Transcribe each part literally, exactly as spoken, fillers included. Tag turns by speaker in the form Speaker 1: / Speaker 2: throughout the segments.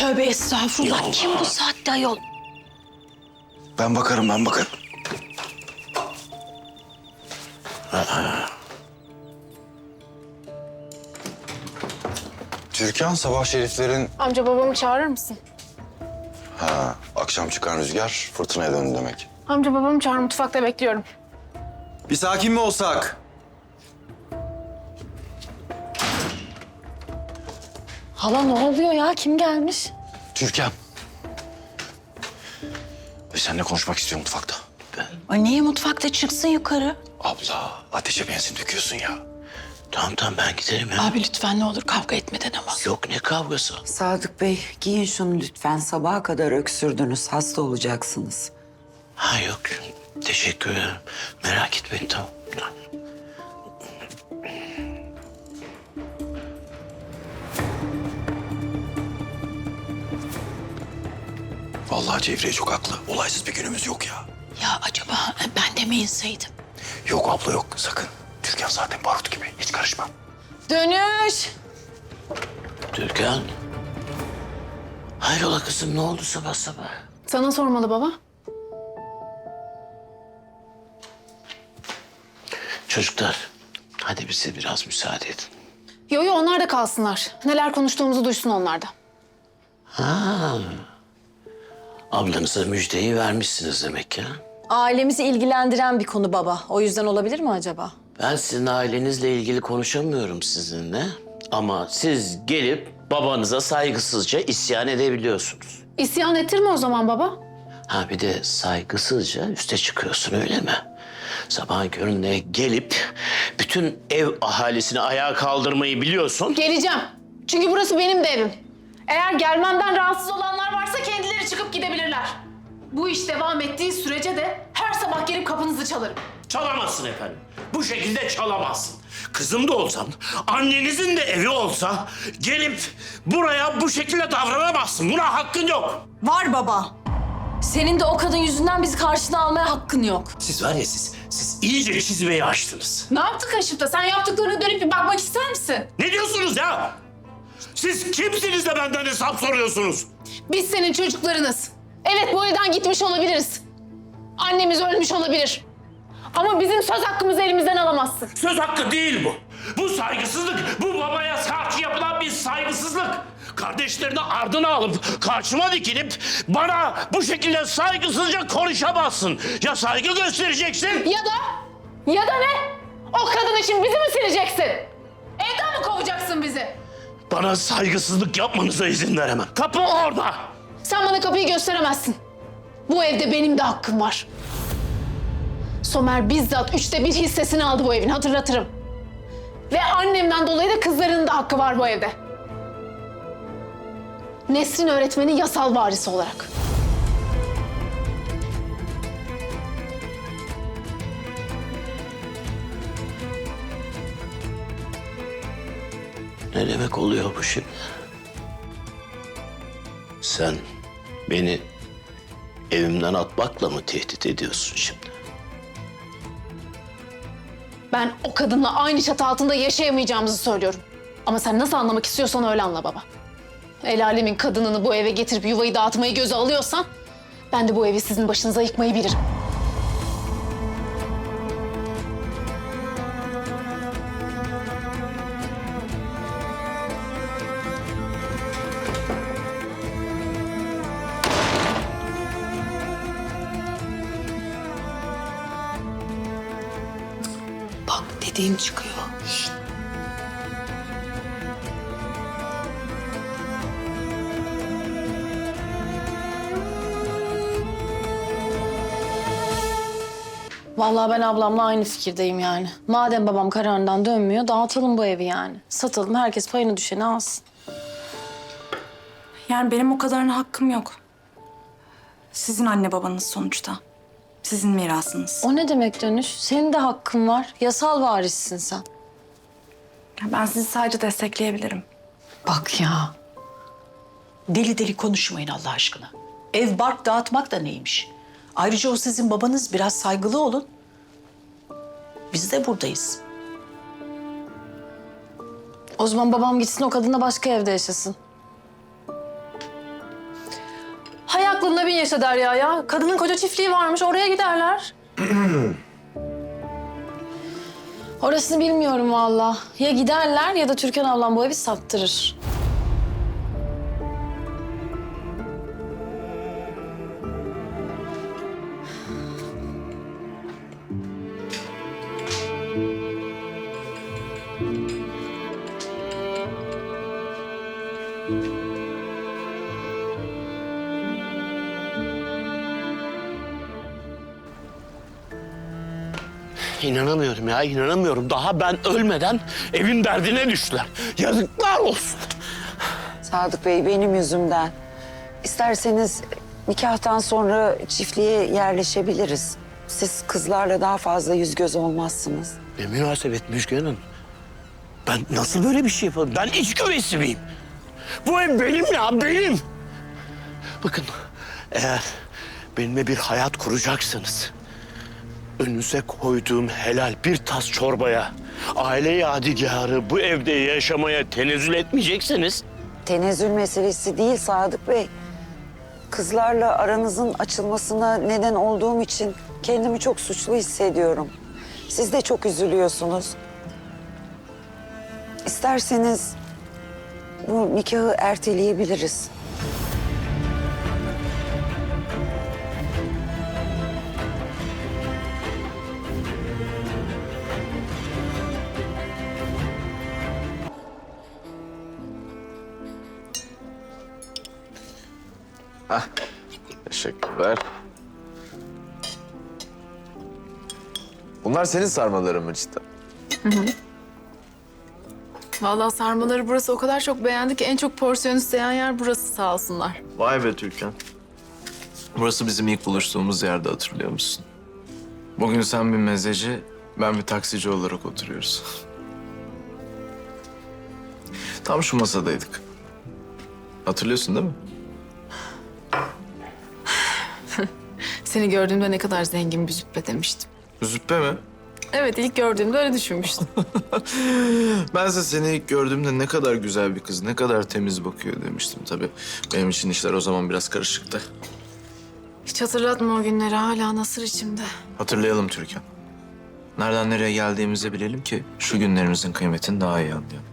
Speaker 1: Tövbe estağfurullah. Kim bu saatte ayol?
Speaker 2: Ben bakarım, ben bakarım. Türkan, sabah şeriflerin...
Speaker 3: Amca babamı çağırır mısın?
Speaker 2: Ha, akşam çıkan rüzgar fırtınaya döndü demek.
Speaker 3: Amca babamı çağır, mutfakta bekliyorum.
Speaker 2: Bir sakin mi olsak?
Speaker 1: Hala ne oluyor ya? Kim gelmiş?
Speaker 2: Türkan. Ve seninle konuşmak istiyorum mutfakta.
Speaker 1: Ay niye mutfakta çıksın yukarı?
Speaker 2: Abla, ateşe benzin döküyorsun ya. Tamam tamam, ben giderim ya.
Speaker 1: Abi lütfen ne olur kavga etmeden ama.
Speaker 2: Yok, ne kavgası?
Speaker 4: Sadık Bey, giyin şunu lütfen. Sabaha kadar öksürdünüz, hasta olacaksınız.
Speaker 2: Ha yok, teşekkür ederim. Merak etmeyin, tamam. Vallahi Cevriye çok haklı. Olaysız bir günümüz yok ya.
Speaker 1: Ya acaba ben de mi inseydim?
Speaker 2: Yok abla yok, sakın. Türkan zaten barut gibi. Hiç karışma.
Speaker 1: Dönüş.
Speaker 5: Türkan. Hayrola kızım, ne oldu sabah sabah?
Speaker 3: Sana sormalı baba.
Speaker 5: Çocuklar, hadi bize biraz müsaade edin.
Speaker 3: Yo yo, onlar da kalsınlar. Neler konuştuğumuzu duysun onlar da.
Speaker 5: Ha. Ablanıza müjdeyi vermişsiniz demek ya.
Speaker 1: Ailemizi ilgilendiren bir konu baba. O yüzden olabilir mi acaba?
Speaker 5: Ben sizin ailenizle ilgili konuşamıyorum sizinle. Ama siz gelip babanıza saygısızca isyan edebiliyorsunuz.
Speaker 3: İsyan ettirme o zaman baba.
Speaker 5: Ha bir de saygısızca üste çıkıyorsun, öyle mi? Sabahın köründe gelip bütün ev ahalisini ayağa kaldırmayı biliyorsun.
Speaker 3: Geleceğim. Çünkü burası benim de evim. Eğer gelmemden rahatsız olanlar varsa kendileri çıkıp gidebilirler. Bu iş devam ettiği sürece de her sabah gelip kapınızı çalarım.
Speaker 6: Çalamazsın efendim. Bu şekilde çalamazsın. Kızım da olsan, annenizin de evi olsa gelip buraya bu şekilde davranamazsın. Buna hakkın yok.
Speaker 1: Var baba. Senin de o kadın yüzünden bizi karşına almaya hakkın yok.
Speaker 6: Siz var ya siz, siz iyice çizmeyi açtınız.
Speaker 3: Ne yaptık Haşim da? Sen yaptıklarına dönüp bir bakmak ister misin?
Speaker 6: Ne diyorsunuz ya? Siz kimsiniz de benden hesap soruyorsunuz?
Speaker 3: Biz senin çocuklarınız. Evet, bu evden gitmiş olabiliriz. Annemiz ölmüş olabilir. Ama bizim söz hakkımızı elimizden alamazsın.
Speaker 6: Söz hakkı değil bu. Bu saygısızlık, bu babaya karşı yapılan bir saygısızlık. Kardeşlerini ardına alıp karşıma dikilip bana bu şekilde saygısızca konuşamazsın. Ya saygı göstereceksin.
Speaker 3: Ya da, ya da ne? O kadın için bizi mi sileceksin? Evden mi kovacaksın bizi?
Speaker 6: Bana saygısızlık yapmanıza izin veremem. Kapı orada.
Speaker 3: Sen bana kapıyı gösteremezsin. Bu evde benim de hakkım var. Somer bizzat üçte bir hissesini aldı bu evin, hatırlatırım. Ve annemden dolayı da kızlarının da hakkı var bu evde. Nesrin öğretmenin yasal varisi olarak.
Speaker 5: Ne demek oluyor bu şimdi? Sen beni evimden atmakla mı tehdit ediyorsun şimdi?
Speaker 3: Ben o kadınla aynı çatı altında yaşayamayacağımızı söylüyorum. Ama sen nasıl anlamak istiyorsan öyle anla baba. El alemin kadınını bu eve getirip yuvayı dağıtmayı göze alıyorsan... ben de bu evi sizin başınıza yıkmayı bilirim.
Speaker 1: Bak dediğin çıkıyor. Vallahi ben ablamla aynı fikirdeyim yani. Madem babam kararından dönmüyor, dağıtalım bu evi yani. Satalım, herkes payını düşeni alsın.
Speaker 7: Yani benim o kadarına hakkım yok. Sizin anne babanız sonuçta. Sizin mirasınız.
Speaker 1: O ne demek Dönüş? Senin de hakkın var. Yasal varissin sen.
Speaker 7: Ya ben sizi sadece destekleyebilirim.
Speaker 8: Bak ya. Deli deli konuşmayın Allah aşkına. Ev bark dağıtmak da neymiş? Ayrıca o sizin babanız, biraz saygılı olun. Biz de buradayız.
Speaker 1: O zaman babam gitsin o kadınla başka evde yaşasın. arabaya bin yaşa Derya ya. Kadının koca çiftliği varmış, oraya giderler. Orasını bilmiyorum vallahi. Ya giderler ya da Türkan ablam bu evi sattırır.
Speaker 6: İnanamıyorum ya, inanamıyorum. Daha ben ölmeden evin derdine düştüler. Yazıklar olsun.
Speaker 4: Sadık Bey benim yüzümden. İsterseniz nikahtan sonra çiftliğe yerleşebiliriz. Siz kızlarla daha fazla yüz göz olmazsınız.
Speaker 6: Ne münasebet Müjgan Hanım. Ben nasıl böyle bir şey yaparım? Ben iç güveysi miyim? Bu ev benim ya, benim. Bakın, eğer benimle bir hayat kuracaksanız... önünüze koyduğum helal bir tas çorbaya, aile yadigarı bu evde yaşamaya tenezzül etmeyecekseniz...
Speaker 4: Tenezzül meselesi değil Sadık Bey. Kızlarla aranızın açılmasına neden olduğum için kendimi çok suçlu hissediyorum. Siz de çok üzülüyorsunuz. İsterseniz bu nikahı erteleyebiliriz.
Speaker 9: Teşekkürler. Bunlar senin sarmaların mı cidden?
Speaker 3: Vallahi sarmaları burası o kadar çok beğendi ki en çok porsiyon isteyen yer burası sağ olsunlar.
Speaker 9: Vay be Türkan. Burası bizim ilk buluştuğumuz yerde, hatırlıyor musun? Bugün sen bir mezeci, ben bir taksici olarak oturuyoruz. Tam şu masadaydık. Hatırlıyorsun değil mi?
Speaker 3: Seni gördüğümde ne kadar zengin bir züppe demiştim.
Speaker 9: Züppe mi?
Speaker 3: Evet, ilk gördüğümde öyle düşünmüştüm.
Speaker 9: Bense seni ilk gördüğümde ne kadar güzel bir kız, ne kadar temiz bakıyor demiştim tabii. Benim için işler o zaman biraz karışıktı.
Speaker 3: Hiç hatırlatma o günleri, hala nasır içimde.
Speaker 9: Hatırlayalım Türkan. Nereden nereye geldiğimizi bilelim ki şu günlerimizin kıymetini daha iyi anlayalım.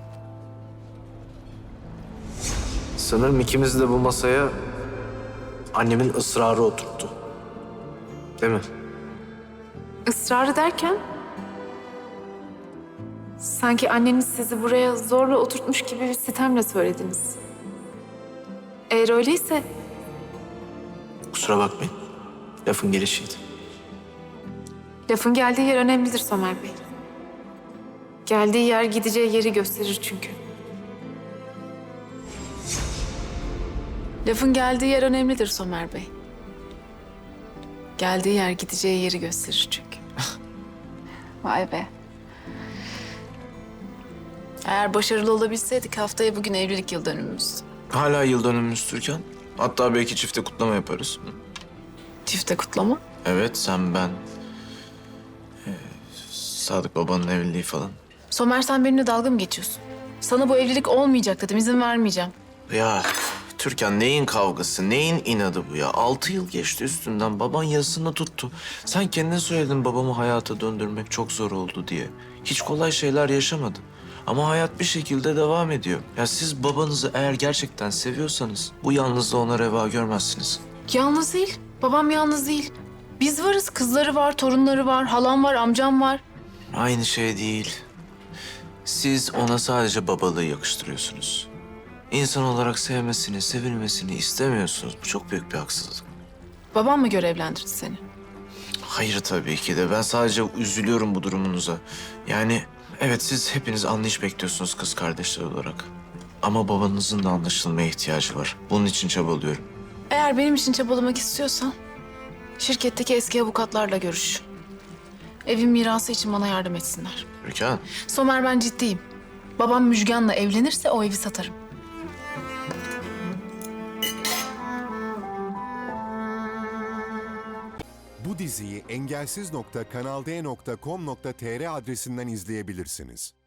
Speaker 9: Sanırım ikimiz de bu masaya annemin ısrarı oturttu. Değil mi?
Speaker 3: Israrı derken? Sanki anneniz sizi buraya zorla oturtmuş gibi bir sitemle söylediniz. Eğer öyleyse
Speaker 9: Kusura bakmayın. Lafın gelişiydi.
Speaker 3: lafın geldiği yer önemlidir Somer Bey. Geldiği yer gideceği yeri gösterir çünkü. Lafın geldiği yer önemlidir Somer Bey. Geldiği yer gideceği yeri gösterir çünkü. Vay be. Eğer başarılı olabilseydik haftaya bugün evlilik yıl dönümümüz.
Speaker 9: Hala yıl dönümümüz Türkan. Hatta belki çifte kutlama yaparız.
Speaker 3: Çifte kutlama.
Speaker 9: Evet, sen, ben, ee, Sadık babanın evliliği falan.
Speaker 3: Somer, sen benimle dalga mı geçiyorsun? Sana bu evlilik olmayacak dedim, izin vermeyeceğim.
Speaker 9: Ya Türkan, neyin kavgası, neyin inadı bu ya? Altı yıl geçti üstünden, baban yazısını tuttu. Sen kendin söyledin babamı hayata döndürmek çok zor oldu diye. Hiç kolay şeyler yaşamadı. Ama hayat bir şekilde devam ediyor. Ya siz babanızı eğer gerçekten seviyorsanız bu yalnızlığı ona reva görmezsiniz.
Speaker 3: Yalnız değil, babam yalnız değil. Biz varız, kızları var, torunları var, halam var, amcam var.
Speaker 9: Aynı şey değil. Siz ona sadece babalığı yakıştırıyorsunuz. İnsan olarak sevmesini, sevilmesini istemiyorsunuz. Bu çok büyük bir haksızlık.
Speaker 3: Babam mı görevlendirdi seni?
Speaker 9: Hayır tabii ki de. Ben sadece üzülüyorum bu durumunuza. Yani evet, siz hepiniz anlayış bekliyorsunuz kız kardeşler olarak. Ama babanızın da anlaşılmaya ihtiyacı var. Bunun için çabalıyorum.
Speaker 3: Eğer benim için çabalamak istiyorsan şirketteki eski avukatlarla görüş. Evin mirası için bana yardım etsinler.
Speaker 9: Türkan.
Speaker 3: Somer, ben ciddiyim. Babam Müjgan'la evlenirse o evi satarım.
Speaker 10: Bu diziyi engelsiz nokta kanal d nokta com nokta tr adresinden izleyebilirsiniz.